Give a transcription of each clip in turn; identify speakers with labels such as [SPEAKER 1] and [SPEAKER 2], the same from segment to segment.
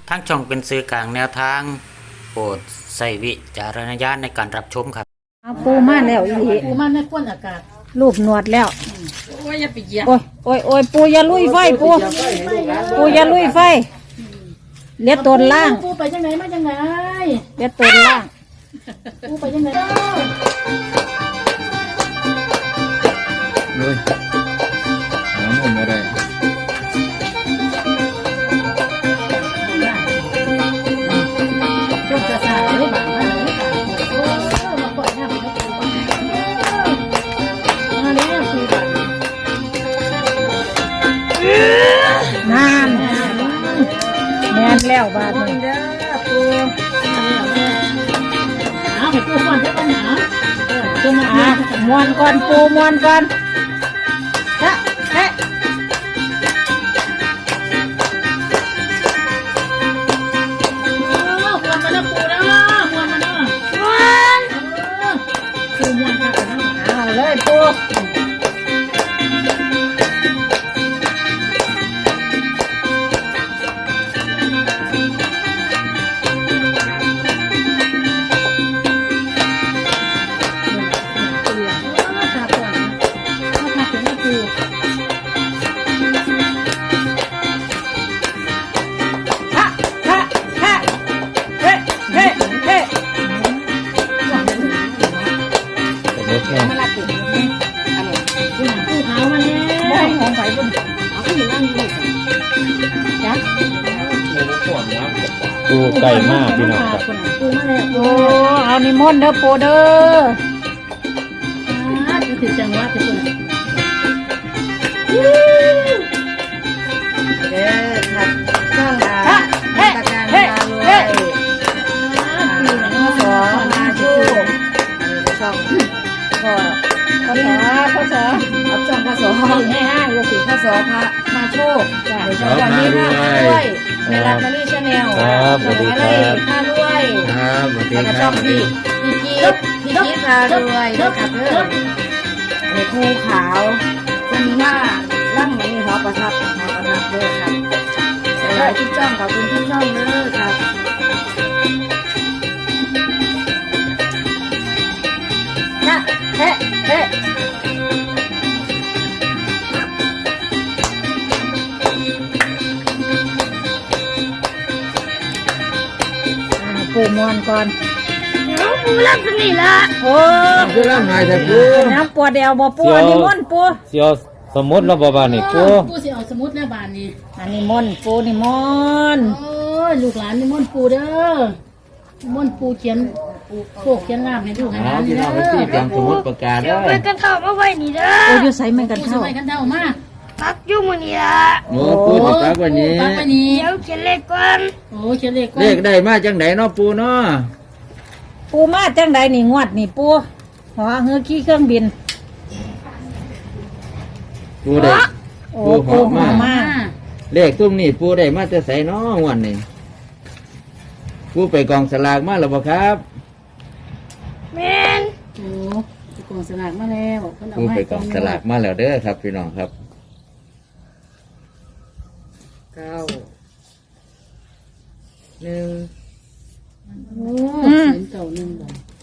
[SPEAKER 1] ทั้งช่องเป็นสื่อกลางแนวทางโปรดใส่วิจารณญาณในการรับชมครับ
[SPEAKER 2] เอาปูมาแล้วอีหลี
[SPEAKER 3] ปูมันในก้นอากาศ
[SPEAKER 2] รูปหนวดแล้ว
[SPEAKER 3] โอ้ยอย่าไปเหยียบ
[SPEAKER 2] โอ้ยโอ้ยโอ้ยปูอย่าลุยไฟปูอย่าลุยไฟเลียดตนล่าง
[SPEAKER 3] ปูไปจังไหนมาจังไหน
[SPEAKER 2] เลียดตนล่าง
[SPEAKER 3] ปูไปจังไหน
[SPEAKER 4] เลยหามุมอะไร
[SPEAKER 3] ช่วงจะสาดเลยบ้างมาเลยโอ้มาปล่อยหน้าไปแล้วปูมาแล้วปูบ้าง
[SPEAKER 2] นานแม่นแล้วบาดนี้
[SPEAKER 3] เอาให้ปูฟันได้ปัญหาปูมา
[SPEAKER 2] อ่ะมวนก่อนปูมวนก่อนฮะเฮ้
[SPEAKER 3] ควรมาแล้วปูนะควรมาแล้วปูมวนค่ะนะ
[SPEAKER 2] เอาเลยปู
[SPEAKER 3] ตาก่อนถ้าถึงปู
[SPEAKER 2] ฮะฮะฮะเฮ้เฮ้เฮ้
[SPEAKER 4] รถแม่
[SPEAKER 2] มาละติ
[SPEAKER 3] ปูขาวมาแล้ว
[SPEAKER 2] ได้ของไผ่บุญ
[SPEAKER 3] เอาขึ้นนั่งเลย
[SPEAKER 2] จ้ะ
[SPEAKER 4] ดูไก่มากพี่น้องครับ
[SPEAKER 3] ปูมาแล้ว
[SPEAKER 2] โอ้เอานิมนต์เด้อปูเด้อ
[SPEAKER 3] จะถึงจังหวะจะปู
[SPEAKER 5] เด้อครับช่อง
[SPEAKER 2] ฮะเฮ้
[SPEAKER 5] ประการ
[SPEAKER 2] เฮ้
[SPEAKER 5] พารว
[SPEAKER 2] เฮ้
[SPEAKER 5] ยสอมาชูช่องพ่อ
[SPEAKER 2] พศพศ
[SPEAKER 5] เอาช่องพระสอให้ห้าอยู่สิพระสอพระมาโชคเดี๋ยวช่องวันนี้พระด้วยในรัตนาชาแนลช่องอะไรพารวย
[SPEAKER 4] ครับสวัสดี
[SPEAKER 5] แล้วก็
[SPEAKER 4] ค
[SPEAKER 5] ช่
[SPEAKER 4] รั
[SPEAKER 5] อบ งพี่จี๊ดพารวยนะครับเด้อในภูขาวคนว่าล่ำนี้หอประทับเด้อครับหลายที่ช่องขอบคุณที่ช่องเด้อครับ
[SPEAKER 2] ฮะเฮ้เฮ้ปูมวนก่อนปูรับสนิละโอ้
[SPEAKER 4] คือร่างไงแต่ปู
[SPEAKER 2] น้ำปวดเดียวบ่ปูอันนี้มนต์ปู
[SPEAKER 4] เสียวสมมติเราบ้านนี่ปู
[SPEAKER 3] ปูสิเอาสมุดแล้วบานนี้
[SPEAKER 2] อันนี้มนต์ปูนี่มนต์
[SPEAKER 3] โอ้ยลูกหลานนี่ม่อนปูเด้อม่อนปูเขียนโคกเขียนลามให้ลูกให้หลานนี่
[SPEAKER 4] พี่
[SPEAKER 3] เด้
[SPEAKER 4] น้
[SPEAKER 3] อ
[SPEAKER 4] องไปที่เตรียมสมมติประกาศเด้อ
[SPEAKER 2] ปูอยู่ใส่เหมือนกัน
[SPEAKER 3] ปูส
[SPEAKER 2] เท่า
[SPEAKER 3] มัยกันเท่ามา
[SPEAKER 4] โอ้ปูติดตามวันนี้
[SPEAKER 3] ปักไปนี้
[SPEAKER 6] เดี๋ยวเขียนเลขก่อน
[SPEAKER 3] โอ้เขียนเลขก่อน
[SPEAKER 4] เลขได้มาจังไหนเนาะปูเนาะ
[SPEAKER 2] ปูมาจังใดนี่งวดนี่ปูหัวเฮือขี้เครื่องบิน
[SPEAKER 4] ปูได้
[SPEAKER 2] โอ้
[SPEAKER 4] ปู
[SPEAKER 2] ปู
[SPEAKER 4] หอม
[SPEAKER 2] หัว
[SPEAKER 4] มาก
[SPEAKER 2] มา
[SPEAKER 4] เลขตุ้มนี่ปูได้มาจะใส่เนาะงวันนี้ปูไปกองสลากมาแล้วบ่ครับ
[SPEAKER 6] แมน
[SPEAKER 3] โอ้ไปกองสลากมาแล้วเพิ่นเอา
[SPEAKER 4] ปู
[SPEAKER 3] มา
[SPEAKER 4] ไป
[SPEAKER 3] ให้
[SPEAKER 4] กองสลากมาแล้วเด้อครับ พี่น้องครับ
[SPEAKER 5] เก้าหนึ่ง
[SPEAKER 3] โอ้เขียนเก่าหนึ่งบ่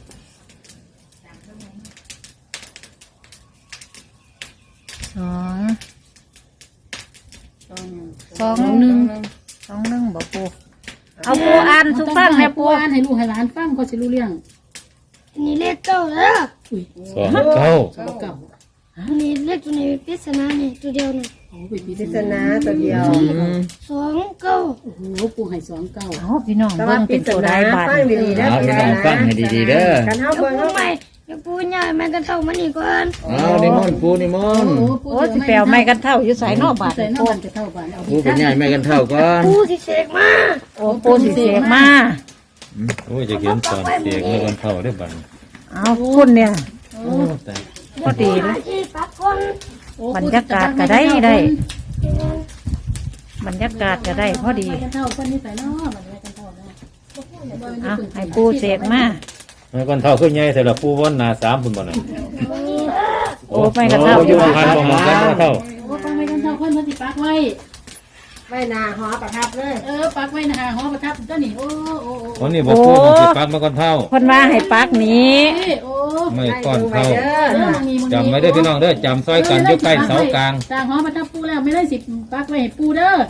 [SPEAKER 2] สอง
[SPEAKER 3] ต้อง
[SPEAKER 2] สองหนึ่งสองหนึ่งบ่ปูเอาปูอ่านสุฟังให้ปู
[SPEAKER 3] อ่านให้ลูกให้หลานฟังก็สิรู้เรื่อง
[SPEAKER 6] อันนี้เลขเก้าแล้ว
[SPEAKER 3] อุ้ย
[SPEAKER 4] สองเก้า
[SPEAKER 3] สองเก่า
[SPEAKER 6] อันนี้เลขตัวนี้ปริศนาเนี่ยตัวเดียวเนี่ย
[SPEAKER 3] โอ้ไปพิ
[SPEAKER 5] ปริศ
[SPEAKER 3] จารณา
[SPEAKER 5] นาตัวเดียว
[SPEAKER 6] สองเก้า
[SPEAKER 3] โอ้โหปูให้สองเก่า
[SPEAKER 2] เอาพี่น้อง
[SPEAKER 5] แต่
[SPEAKER 2] เบิ่
[SPEAKER 5] ว่าง ปริ
[SPEAKER 2] เป็น
[SPEAKER 5] ศ
[SPEAKER 2] ตัว
[SPEAKER 5] นา
[SPEAKER 2] ได้บาท
[SPEAKER 5] ฟังดีๆนะ
[SPEAKER 4] เอาพี่น้องฟังให้ดีๆเด้อ
[SPEAKER 5] กันเฮา
[SPEAKER 6] เดี๋ยว
[SPEAKER 5] เบิ่ง
[SPEAKER 6] ปู
[SPEAKER 5] เฮา
[SPEAKER 6] ใหม่เดี๋ยวปูใหญ่แม่กันเท่ามันอีกก่อน
[SPEAKER 4] เอานิมนต์ปูนิมนต์
[SPEAKER 2] โอ้สิแปลวไม่กันเท่าอยู่ใส่นอกบาท
[SPEAKER 3] ใส่นอกบาทจะเท่าบาทเอา
[SPEAKER 4] ปูเป็นใหญ่ไม่กันเท่าก่อน
[SPEAKER 6] ปูสิเสกมา
[SPEAKER 2] โอ้ปูสิเสกมา
[SPEAKER 4] โอ้ยจะเขียนตอนเสียงไม่กันเท่าได้บัง
[SPEAKER 2] เอาคุณเนี่ย
[SPEAKER 4] โอ้แต่
[SPEAKER 2] พอดีเลย
[SPEAKER 6] ที่ปักคน
[SPEAKER 2] บรรยากาศก็ได้ได้ บรรยากาศก็ได้พอดี
[SPEAKER 3] กันเท่าคนนี้ใส่นอกบาทกันเท่านะ
[SPEAKER 2] เอาให้ปูเสกมา
[SPEAKER 4] ไม่กันเท่าขึ้นใหญ่แต่ละปูวันหนาสามคุณบ่น่ะ
[SPEAKER 2] โอ้ไม่กันเท่า
[SPEAKER 4] อยู่หันบ่มองกันบ่เท่า
[SPEAKER 3] โอ้ฟังไม่กันเท่าคนมันสิปักไว้ไว้หน้าหอประทับเลยปักไว้หน้าหอประทับตัวนี้โอ้
[SPEAKER 7] วันนี้บอกปูมันสิปักมาก่อนเท่า
[SPEAKER 2] เพิ่นว่าให้ปักนี้
[SPEAKER 3] โอ้
[SPEAKER 7] ไม่ก่อนเท่า
[SPEAKER 3] มี
[SPEAKER 7] จำไม่ได้พี่น้องเด้อจำซอยกันอยู่ใกล้เสากลาง
[SPEAKER 3] สร้างหอประทับปูแล้วไม่ได้สิปักไว้ให้ปูเด้อ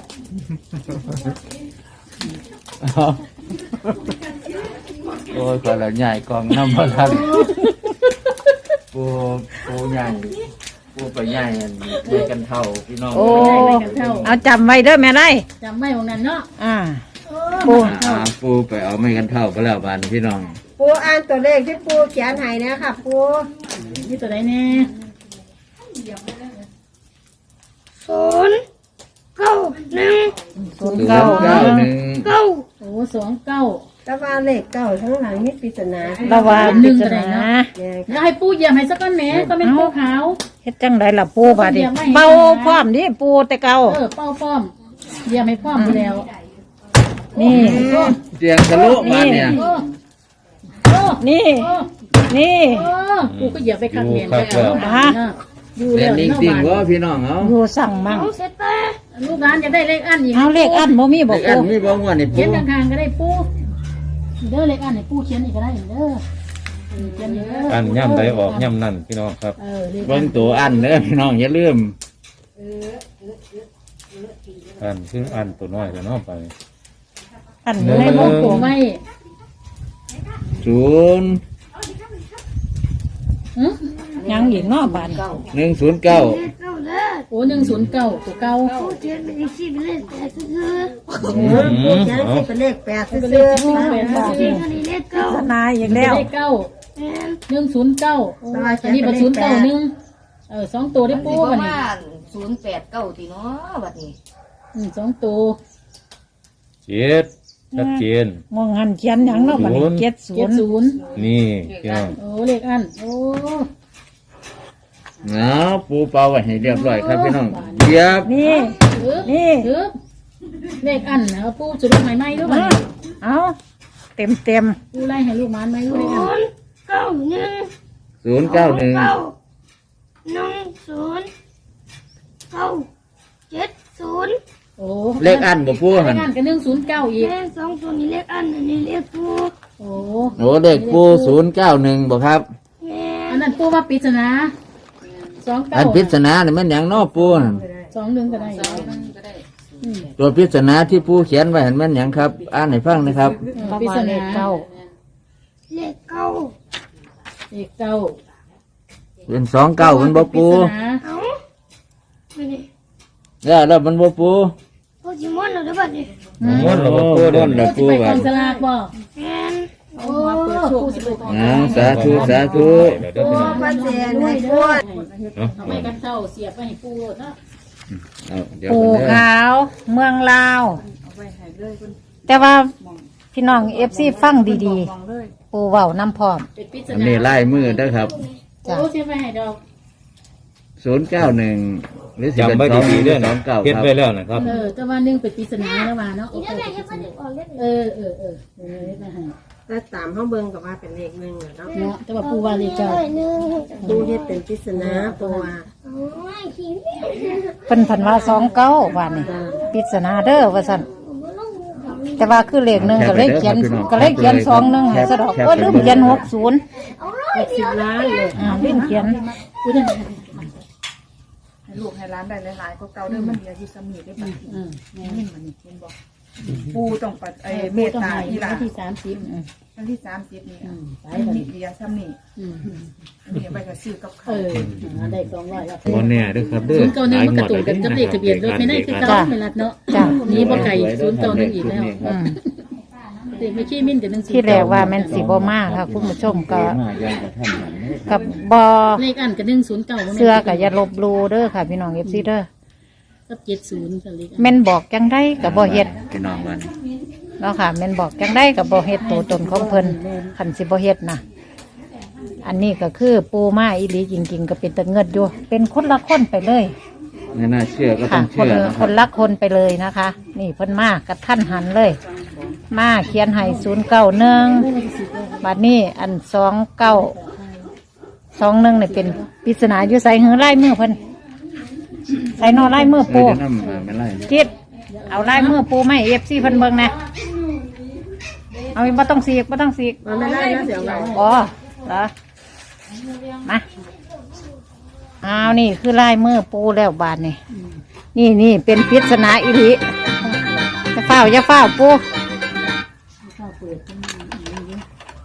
[SPEAKER 4] โอ้ยก็ละใหญ่กองน้ำมันทันปูใหญ่ปูไปใหญ่ใหญ่กันเท่าพี่น้อง
[SPEAKER 2] โอ้เอาจำไว้เด้อแม่ได้
[SPEAKER 3] จำไว้ของนั้นเนาะ
[SPEAKER 2] ปู
[SPEAKER 4] ปูไปเอาไม่กันเท่าก็แล้วบานพี่น้อง
[SPEAKER 5] ปูอ่านตัวเลขที่ปูเขียนให้นะคะปู
[SPEAKER 3] นี่ตัวไหนแน่
[SPEAKER 4] 091
[SPEAKER 3] โอ้29
[SPEAKER 5] แต่ว่าเลขเก้าทั้งหลังนี่ปริศนา
[SPEAKER 2] ระวัง
[SPEAKER 3] หนึ่
[SPEAKER 2] พิ
[SPEAKER 3] ง
[SPEAKER 2] จา
[SPEAKER 3] ก็
[SPEAKER 2] ร
[SPEAKER 3] ได้เนาะ
[SPEAKER 2] ณา
[SPEAKER 3] แล้วให้ปูเหยียบให้สักก้อนแหม่ก็เป็นปูขาว
[SPEAKER 2] เฮ็ดจังไดล่ะปูบาดนี้เบาพร้อมดิปูแต่เก่า
[SPEAKER 3] เป้าป้อมเหยียบให้ป้อมไปแล้ว
[SPEAKER 2] นี่
[SPEAKER 4] เสียงทะลุมาเนี่ย
[SPEAKER 2] นี่นี่
[SPEAKER 3] กูก็เหยียบไปขัดเมียนไปอยู่
[SPEAKER 4] เล่
[SPEAKER 3] แล้
[SPEAKER 4] น
[SPEAKER 3] ว
[SPEAKER 4] นิ่งๆว่าพี่น้องเอา
[SPEAKER 2] อยู่สั่งมั่ง
[SPEAKER 3] ลูกร้านจะได้เลขอันอีก
[SPEAKER 2] เอาเลขอันบ่มีบ่
[SPEAKER 4] เด็กอั
[SPEAKER 2] ปู
[SPEAKER 4] นมีบ้างว่านี่
[SPEAKER 3] เขี
[SPEAKER 4] ปู
[SPEAKER 3] ยนข้างๆก็ได้ปูเด้อเลขอันให้ปูเขียนอีกก็ได้เด้อเขียนเด้อ
[SPEAKER 7] อันย่ำใดออกย่ำนั่นพี่น้องครับ
[SPEAKER 3] เลข
[SPEAKER 4] เบิ่งตัวอันเด้อพี่น้องอย่าลืม
[SPEAKER 7] อันคืออันตัวน้อยแต่น้องไป
[SPEAKER 2] อัน
[SPEAKER 3] ให้
[SPEAKER 2] ให้
[SPEAKER 3] บ
[SPEAKER 2] บ่
[SPEAKER 3] อก
[SPEAKER 2] ปู
[SPEAKER 3] ผมไว้
[SPEAKER 4] 0
[SPEAKER 2] ยังอีกเนาะบาดนี้
[SPEAKER 4] 109
[SPEAKER 3] โอ้109ตัวเก่า
[SPEAKER 6] เขียนเป็นสี่เป็นเลขแปดคือ
[SPEAKER 5] ปูเขียนให้เป็นเลข8
[SPEAKER 3] เป็น
[SPEAKER 5] ซื่
[SPEAKER 3] เล
[SPEAKER 5] อ
[SPEAKER 3] ขที่แปด
[SPEAKER 6] อันนี้เลขเก้า
[SPEAKER 2] สนายอีก
[SPEAKER 3] แล้
[SPEAKER 2] แล้ว ว
[SPEAKER 3] เลขเก้า109อันนี้เป็น0912ตัวได้ปูบัดนี้
[SPEAKER 5] 089ติเนาะบัดนี้
[SPEAKER 3] 2ตัว
[SPEAKER 7] เจ็ดชัดเจน
[SPEAKER 2] มองหันเขียนหยังเนาะบัดนี้
[SPEAKER 3] 70
[SPEAKER 7] นี่พี่น้อง
[SPEAKER 3] โอ้เลขอันโอ้
[SPEAKER 4] เอาปูเป่าไว้ให้เรียบร้อยครับพี่น้องเรียบ
[SPEAKER 2] นี่ นี่
[SPEAKER 3] เลขอันเอาปูจุดใหม่ไหมด้วยมั้ย
[SPEAKER 2] เอาเต็ม
[SPEAKER 3] ปูไล่ให้ลูกมันไหมลูกเลขอัน
[SPEAKER 6] เก้าหนึ่ง
[SPEAKER 4] 091
[SPEAKER 6] เก้าหนึ่งศูนย์เก้า70
[SPEAKER 3] โอ้
[SPEAKER 4] เลขอันบ่ปู
[SPEAKER 3] เล
[SPEAKER 4] หั่น
[SPEAKER 3] ขอันกับ109อีก
[SPEAKER 6] เลข2ตัวนี้เลขอันอันนี้เลขปู
[SPEAKER 3] โอ้
[SPEAKER 4] โอ้เลขปู091บ่ครับ
[SPEAKER 6] แม่
[SPEAKER 3] อันนั้นปูว่าปริศนา29
[SPEAKER 4] อันปริศนานี่มันหยังเนาะปูน่ะ
[SPEAKER 3] 21ก็ได้
[SPEAKER 4] ตัวปริศนาที่ปูเขียนไว้เห็นมันหยังครับ อ่านให้ฟังนะครับ
[SPEAKER 2] ๆ
[SPEAKER 3] ปริศนา
[SPEAKER 2] เก้า
[SPEAKER 6] เลขเก้า
[SPEAKER 3] เลขเก้า
[SPEAKER 4] เป็น29มันบ่ปู
[SPEAKER 3] ปริศนา
[SPEAKER 6] เอาไม่ได้
[SPEAKER 4] แล้วมันบ่ปู
[SPEAKER 6] โปเกมอนเหรอเดี๋ยวบัดนี้
[SPEAKER 7] ม้วนหรือว่าปูเด้อ
[SPEAKER 4] ม้วนเหรอ
[SPEAKER 3] สิไปกองสลากบ่
[SPEAKER 6] แม่น
[SPEAKER 3] โอ้ปูสิไปกอง
[SPEAKER 4] สาธุสาธุ
[SPEAKER 7] เดี๋ยวเด้อพี่น้อง
[SPEAKER 5] ๆมันเสียในปู
[SPEAKER 3] เอาไปกันเท่าเสียบไปให้ปูเนาะ
[SPEAKER 4] เอาเดี๋ยว
[SPEAKER 2] ปู
[SPEAKER 4] ก่อนเด้อ
[SPEAKER 2] ขาว เมืองลาว แต่ว่าพี่น้อง FC ฟังดีๆ ปูเว้าน้ำพร้อม
[SPEAKER 3] เป็นปริศ
[SPEAKER 4] อัน
[SPEAKER 3] นา
[SPEAKER 4] นี้ลายมือเด้อครับ
[SPEAKER 3] โอ้เสียบไปให้ดอก
[SPEAKER 4] 091หรือสิเป็น
[SPEAKER 7] จำไว้ดีๆเด้อนะ
[SPEAKER 4] 29
[SPEAKER 7] เฮ็ด
[SPEAKER 4] ครับ
[SPEAKER 7] ไว้แล้วนะครับ
[SPEAKER 3] แต่ว่า1เป็นปริศนาแล้วว่าเนาะโอเคมาให้
[SPEAKER 5] ถ้าตามห้องเบิ่งก็ว่าเป็นเลข1เนาะ
[SPEAKER 3] เนาะแต่ว่าปูว่าเลขเก้า
[SPEAKER 6] หนึ่ง
[SPEAKER 5] ปูเฮ็ดเป็นปริศนาปูว่า
[SPEAKER 6] โอ้ยขี้
[SPEAKER 2] เพิ่นพันว่า29ว่านี่ปริศนาเด้อว่าซั่น
[SPEAKER 6] ผมว่าลงมือเขา
[SPEAKER 2] แต่ว่าคือเลขหนึ่งก็เลยเขียน21ให้ซะดอกก็ลืมเขียน60
[SPEAKER 5] 60ล้านเลย
[SPEAKER 2] ลืมเขียน
[SPEAKER 3] ปูจะ
[SPEAKER 8] ให้ลูกให้ร้านได้หลายๆก็เก่าเดิมมันเหลืออยู่สมีได้ปะนี่มันเห็นบอกปูต้องปัดเมตตาอีหลา
[SPEAKER 3] ที่30
[SPEAKER 8] วันที่30นี่
[SPEAKER 3] ไป
[SPEAKER 8] อัน
[SPEAKER 3] บัด
[SPEAKER 8] นี้
[SPEAKER 3] นี้
[SPEAKER 8] เดียวซ้ำนี่อันนี้ไปกับซื้อกับเขา
[SPEAKER 3] ได้200แล้ว
[SPEAKER 7] บ่แน่เด้อครับเด้อ
[SPEAKER 3] 091มันกระตุกกันกับเลขทะเบียนรถไม่ได้คือเก่าไม่รัดเนาะ
[SPEAKER 2] จ้ะ
[SPEAKER 3] นี่บ่ไก่091อีกแล้ว
[SPEAKER 2] อืม
[SPEAKER 3] เด็กไม่ขี้มิ้นกับ1
[SPEAKER 2] ที่แรกว่าแม่นสิบ่มาค่ะคุณผู้ชมก็
[SPEAKER 4] มาอย่างกระท่านหันเด้อ
[SPEAKER 2] กับบ่
[SPEAKER 3] เลขอันกับ109
[SPEAKER 2] เสื้อก็อย่าลบหลู่เด้อค่ะพี่น้อง FC เด้อ
[SPEAKER 3] กับ70กันเลข
[SPEAKER 2] แม่นบอกจังไดก็บ่เฮ็ด
[SPEAKER 4] พี่น้องมัน
[SPEAKER 2] เนาะค่ะแม่นบอกจังไดก็บ่เฮ็ดตัวตนของเพิ่นคันสิบ่เฮ็ดนะอันนี้ก็คือปูมาอีหลีจริงๆก็เป็นตะเงิดอยู่เป็นคนละคนไปเลย
[SPEAKER 4] ไม่น่าเชื่อก็ต้
[SPEAKER 2] ค่ะ
[SPEAKER 4] อง
[SPEAKER 2] ค
[SPEAKER 4] เชื่
[SPEAKER 2] น
[SPEAKER 4] อ
[SPEAKER 2] ละ
[SPEAKER 4] นะค
[SPEAKER 2] ครับ นละคนไปเลยนะคะ นี่เพิ่นมากับท่านหันเลย มาเขียนให้091บัดนี้อัน2921นี่เป็นปริศนาอยู่ใส่หือลายมือเพิ่นใส่นอลายมือ
[SPEAKER 4] เอ
[SPEAKER 2] ปู
[SPEAKER 4] อจะนำมาไม่ไล่
[SPEAKER 2] จิตเอาลายมือปูไม่เอฟซีเพิ่นเบิ่งนะเอาบ่ต้องสีกบ่ต้องสีก
[SPEAKER 5] มันไม่ได้นะเสียงเรา
[SPEAKER 2] อ๋อเหรอมาเอานี่คือลายมือปูแล้วบาดนี่นี่เป็นปริศนาอีหลีอย่าเฝ้าปู
[SPEAKER 3] ข้าวเปิดขึ้นมาอย่างนี้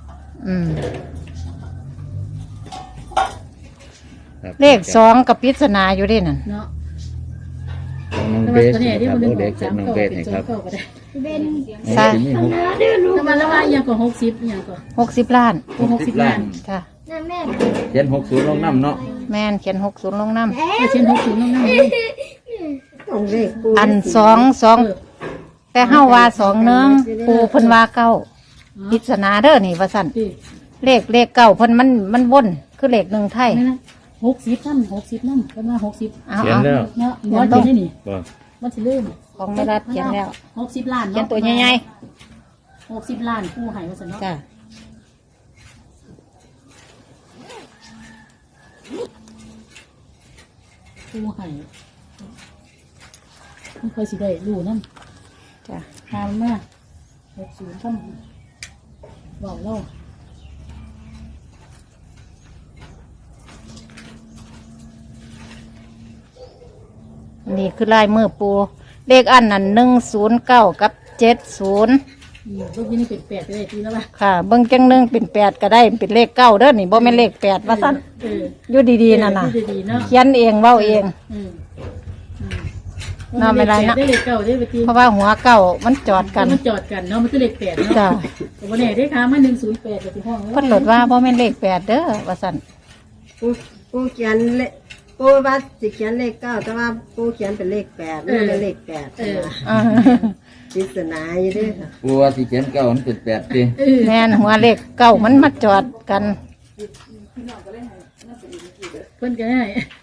[SPEAKER 7] ครับ
[SPEAKER 2] เลข2กับปริศนาอยู่ด้วยนั่น
[SPEAKER 3] เนาะ
[SPEAKER 7] น้อง
[SPEAKER 3] แต่
[SPEAKER 7] เบ
[SPEAKER 3] ว่า
[SPEAKER 7] ส
[SPEAKER 3] ตัวนี้
[SPEAKER 7] นะ
[SPEAKER 3] ที่
[SPEAKER 7] ครับ
[SPEAKER 3] มัน
[SPEAKER 7] โอ้
[SPEAKER 3] ห
[SPEAKER 7] เด็
[SPEAKER 3] นึ่
[SPEAKER 7] ก
[SPEAKER 3] ง
[SPEAKER 7] จาก
[SPEAKER 3] 3
[SPEAKER 7] น้อง
[SPEAKER 3] เก้า
[SPEAKER 7] เบส
[SPEAKER 3] เป็น
[SPEAKER 7] นะ
[SPEAKER 3] 2
[SPEAKER 7] ครับ
[SPEAKER 3] เก้าก็ได้
[SPEAKER 6] เป็น
[SPEAKER 2] ใช่
[SPEAKER 7] โอ้ที่มีหก
[SPEAKER 3] แต่มันแล้วว่าอย่างก็60อย่างก็
[SPEAKER 2] 60 ล้าน
[SPEAKER 3] 60ล้าน
[SPEAKER 2] ค่ะ
[SPEAKER 6] นั่นแม่
[SPEAKER 7] เขียน60ลงน้ำเนาะ
[SPEAKER 2] แม่นเขียน60ลงน้ำ
[SPEAKER 3] แต่เช่น60น้องๆ
[SPEAKER 5] ต้องเลขปู
[SPEAKER 2] อัน2แต่เฮาว่า2เนืองปูเพิ่นว่าเก้าปริศนาเด้อนี่ว่าซั่น
[SPEAKER 3] ที่
[SPEAKER 2] เลขเก้าเพิ่นมันวนคือเลข1ไทย
[SPEAKER 3] นั่นนะ60น้ำก็มา60
[SPEAKER 2] เอา
[SPEAKER 7] เขียน
[SPEAKER 2] เอา
[SPEAKER 7] แล้ว
[SPEAKER 3] เนาะมันเป็นนี่
[SPEAKER 7] บ่
[SPEAKER 3] มันสิเริ่ม
[SPEAKER 2] ของแม่รัฐเขียนแล้ว
[SPEAKER 3] 60ล้าน
[SPEAKER 2] เขียนตัวใหญ่
[SPEAKER 3] 60ล้านผู้ให้ว่าซั่นเนาะ
[SPEAKER 2] ๆจ้ะ
[SPEAKER 3] ผู้ให้มันเคยสิได้รู้นำ
[SPEAKER 2] จ้ะ
[SPEAKER 3] ตามมา60ซ้ำบอกเล่า
[SPEAKER 2] นี่คือลายมือปูเลขอันนั้น109กับ70
[SPEAKER 3] เมื่อกี้นี่เป็น8ก็ได้ทีแล้วป่ะ
[SPEAKER 2] ค่ะเบิ่งจังหนึงเป็น8ก็ได้เป็นเลข9เด้อนี่บ่แม่นเลข8ว่าซั่น
[SPEAKER 3] เออ
[SPEAKER 2] อยู่ดีๆนั่นน่ะ
[SPEAKER 3] ดีๆเนาะ
[SPEAKER 2] เขียนเองเว้าเอง
[SPEAKER 3] อืม
[SPEAKER 2] น่าไม่ไรนะ
[SPEAKER 3] ได้เลขเก่าได้ไปที
[SPEAKER 2] เพราะว่าหัวเก่ามันจอดกัน
[SPEAKER 3] มันจอดกันเนาะมันคือเลข8เนาะ
[SPEAKER 2] จ้ะ
[SPEAKER 3] แต่วันนี้ได้ค้ามา108กับที่ห้อง
[SPEAKER 2] เพิ่นโหลดว่าบ่แม่นเลข8เด้อว่าซั่น
[SPEAKER 5] ปูเขียนเลขปูว่าสิเขียนเลข9แต่ว่าปูเขียนเป็นเลข8ไม่เป็นเลข8
[SPEAKER 2] อ่า
[SPEAKER 5] ปริศนาอยู่ด้วยค่ะ
[SPEAKER 7] กลัวที่เขียนเก้ามันเป็น8ติ
[SPEAKER 2] แม่นหัวเลขเก่ามันมาจอดกัน
[SPEAKER 3] เพิ่นก็ได้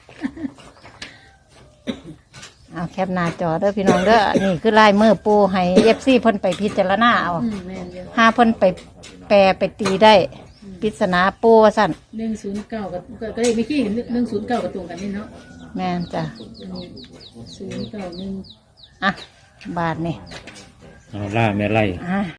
[SPEAKER 2] เอาแคปหน้าจอเด้อพี่น้องเด้อนี่คือลายมือปูให้ FC เพิ่นไปพิจารณาเอา
[SPEAKER 3] แม่นเดียว
[SPEAKER 2] หาเพิ่นไปแปลไปตีได้ปริศนาปูว่าซั่น
[SPEAKER 3] 109ก็ได้ไม่ขี้109กับตรงกันนี่เนาะ
[SPEAKER 2] แม่นจ้ะ
[SPEAKER 3] 091
[SPEAKER 2] อ่ะบาทนี่
[SPEAKER 7] เอาล่าแม่ไล่
[SPEAKER 2] อ่ะ